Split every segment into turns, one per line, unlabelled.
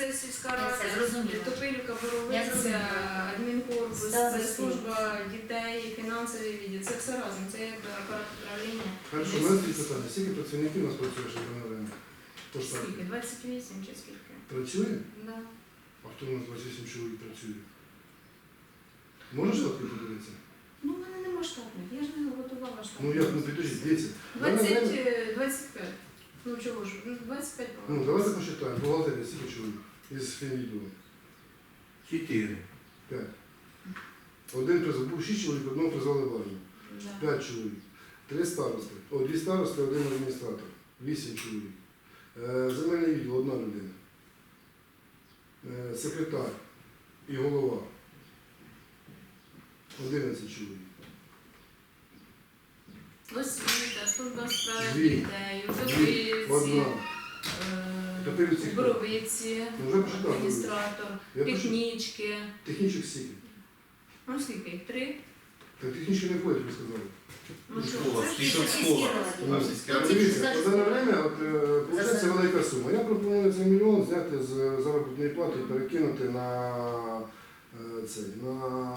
це сільська
Я
рада,
все зрозуміла.
Топилівка,
Я
Боровиця,
зрозуміла.
адмінкорпус,
Ставлю
це
свій.
служба дітей, фінансовий відділ. Це все разом, це якби апарат управління.
Хорошо, у нас є питання. Скільки працівників у нас працює ще на ринку? По штату?
Скільки? 28 чи скільки?
Працює?
Да.
А хто у нас 28 чоловік працює? Можеш штатки подивитися?
Ну, в мене нема штатних, я ж не готувала штатних.
Ну як, ну підождіть, дивіться. Дане время-
25. Ну чого ж, 25
Ну, давайте посчитаємо. Бухгалтерія скільки чоловік із фінвідділу?
4.
5. Один призвав, був 6 чоловік, одного призвали в армію.
Да.
5 чоловік. 3 старости. О, 2 старости, 1 адміністратор. 8 чоловік. Земельний відділ, 1 людина. Секретар і голова. 11 чоловік.
Освіта, служба справи
Дві.
дітей,
Одна.
Вдовиці, Боровиці,
Ну, вже почитав.
адміністратор,
Я почитав.
технічки.
Технічних скільки?
Ну скільки їх? 3?
Так технічки не входять, ви сказали.
Ну що,
Школа,
це ж
спішок
сільські
школа.
ради.
У нас сільська
Ну,
рада.
ці-
Дивіться, за дане время, виходить велика сума. Я пропоную цей мільйон зняти з заробітної плати і перекинути на цей, на...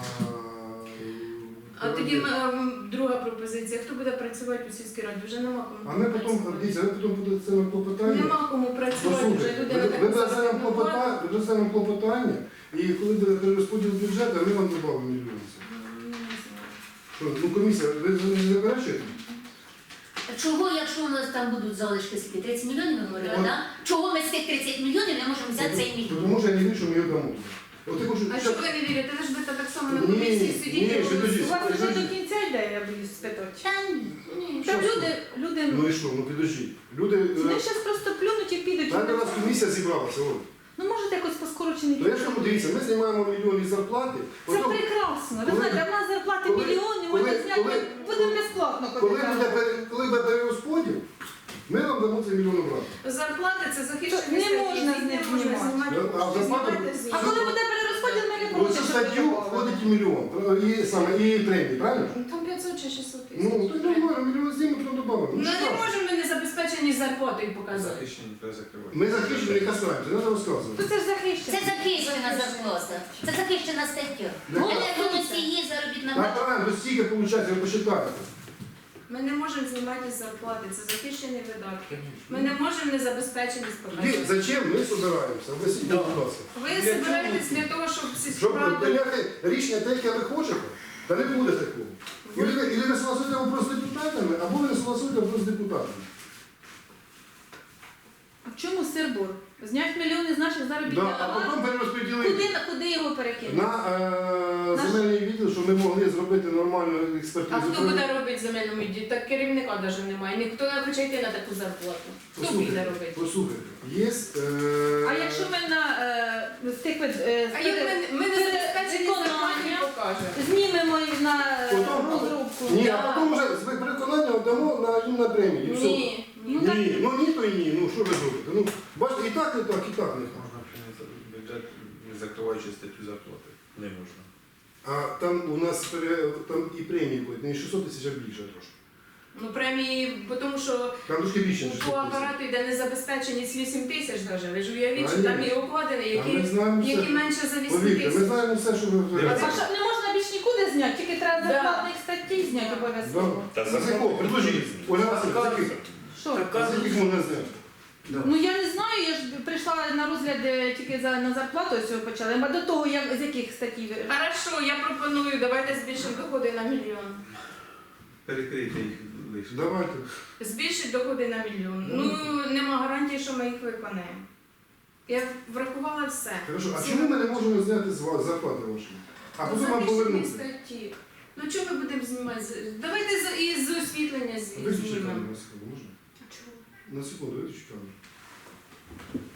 А тоді друга пропозиція. Хто буде працювати у сільській раді? Вже нема кому.
А ми потім, дивіться, ви потім будете це нам клопотання.
Нема кому працювати, вже
Послухайте,
людина
ви
так
дасте нам
заробітну плату.
клопотання, ви дасте нам клопотання, і коли буде перерозподіл бюджету, ми вам додамо мільйон.
Не знаю.
Що, ну комісія, ви не заперечуєте?
Чого, якщо у нас там будуть залишки скільки? 30 мільйонів, ми говорили,
Да.
так? Чого ми з тих 30 мільйонів не можемо взяти цей мільйон?
Тому що я не вірю, що ми його дамо. От я хочу...
А що ви не вірите? Ви ж будете так само на
Ні,
комісії
ні,
сидіти.
що тоді?
У вас вже до кінця йде, я боюсь спитати.
Та ні.
Ні.
Та
Що
люди,
Ну і що, ну підождіть. Люди...
вони зараз просто плюнуть і підуть.
Знаєте, у нас комісія зібралася, от.
Ну можете якось по скороченій.
Ну я ж кажу, дивіться, ми знімаємо мільйон із зарплати.
Це
потім,
прекрасно. Ви
коли-
знаєте, в нас зарплати
коли-
мільйони,
коли-
можна зняти,
коли-
будемо безплатно
коли
ходити.
буде перерозподіл, ми вам дамо цей мільйон обрати.
Зарплати це захищені
Не
статті,
можна
їх
з них
не можна
знімати.
знімати.
А в зарплату-
Знімайте звідси.
А коли буде перерозподіл, ми не
В
проти,
цю
щоб
статтю
було.
входить і мільйон, і премії, правильно?
Там 500 чи 600 тисяч.
Ну, то нормально, мільйон знімемо, потім додамо.
Ну
Ну,
не
що?
можемо ми не забезпечені зарплатою показати.
Захищені треба закривати.
Ми захищені не касаємося, не треба розказувати.
То це ж захищено.
Це захищена зарплата. Це захищена стаття.
Яка?
Енергоносії, заробітна
Так,
плата.
правильно, то стільки виходить, ви посчитаєте.
Ми не можемо знімати з зарплати, це захищені видатки. Ми не можемо не забезпеченість
Тоді
показати.
зачем ми збираємося? Об'ясніть, будь ласка.
Ви збираєтесь для того, щоб сільську
Щоб
раду...
прийняти рішення те, яке ви хочете, та не буде такого. Ілі ви согласуєте вопрос з депутатами, або ви не согласуєте вопрос з депутатами.
А в чому сир-бор? Знять мільйони з наших заробітних
Да, а потім
плат.
перерозподілити
Куди його перекинути?
на земельний відділ, щоб ми могли зробити нормальну
А
експертизу.
хто буде робити земельному відділі? Так керівника навіть немає. Ніхто не хоче йти на таку зарплату. Хто піде робити?
Послухайте, є...
А якщо ми з тих
А як ми не забезпечені зарплаті
виконання
покажемо?
знімемо і на
Потім-
розробку.
Ні, а потім вже з переконанням дамо їм на премію. і все.
Ні.
Ну, так-
Ні, ну ні, то і ні, ну що ви зробите? Ну, бачите, і так, не так, і так, не так.
Можна прийняти бюджет, не закриваючи статтю зарплати. Не можна.
А там у нас там і премії будуть, не 600 тисяч, а більше трошки.
Ну премії, бо тому що
Там трошки більше, ніж
по
600 тисяч.
апарату йде незабезпеченість 8 тисяч навіть. Ви ж уявіть, що
А,
там
ні.
і окладені,
А ми
які,
знаємо все.
які менше за 8
Повірте, ми
тисяч.
знаємо все, що ви
А
говорите.
що, не можна більш нікуди зняти, тільки треба
Да.
зарплатних статей зняти обов'язково.
Та
За якого? Предложіть. Ольга Васильівна, за яких?
Що?
За яких можна зняти?
Ну я не знаю, я ж прийшла на розгляд тільки на зарплату ось почали. А до того, з яких статей?
Хорошо, я пропоную, давайте збільшимо доходи на мільйон.
Перекрити їх лише.
Давайте.
Збільшить доходи на мільйон. Ну, нема гарантії, що ми їх виконаємо. Я врахувала все.
Хорошо, а
Всі
чому ми не можемо зняти з вас зарплати ваші? А потім вам
захищені
повернути?
статті. Ну чого ми будемо знімати? Давайте із освітлення
Виключіть
знімемо.
камеру на секунду, можна?
Чого?
На секунду, виключіть камеру.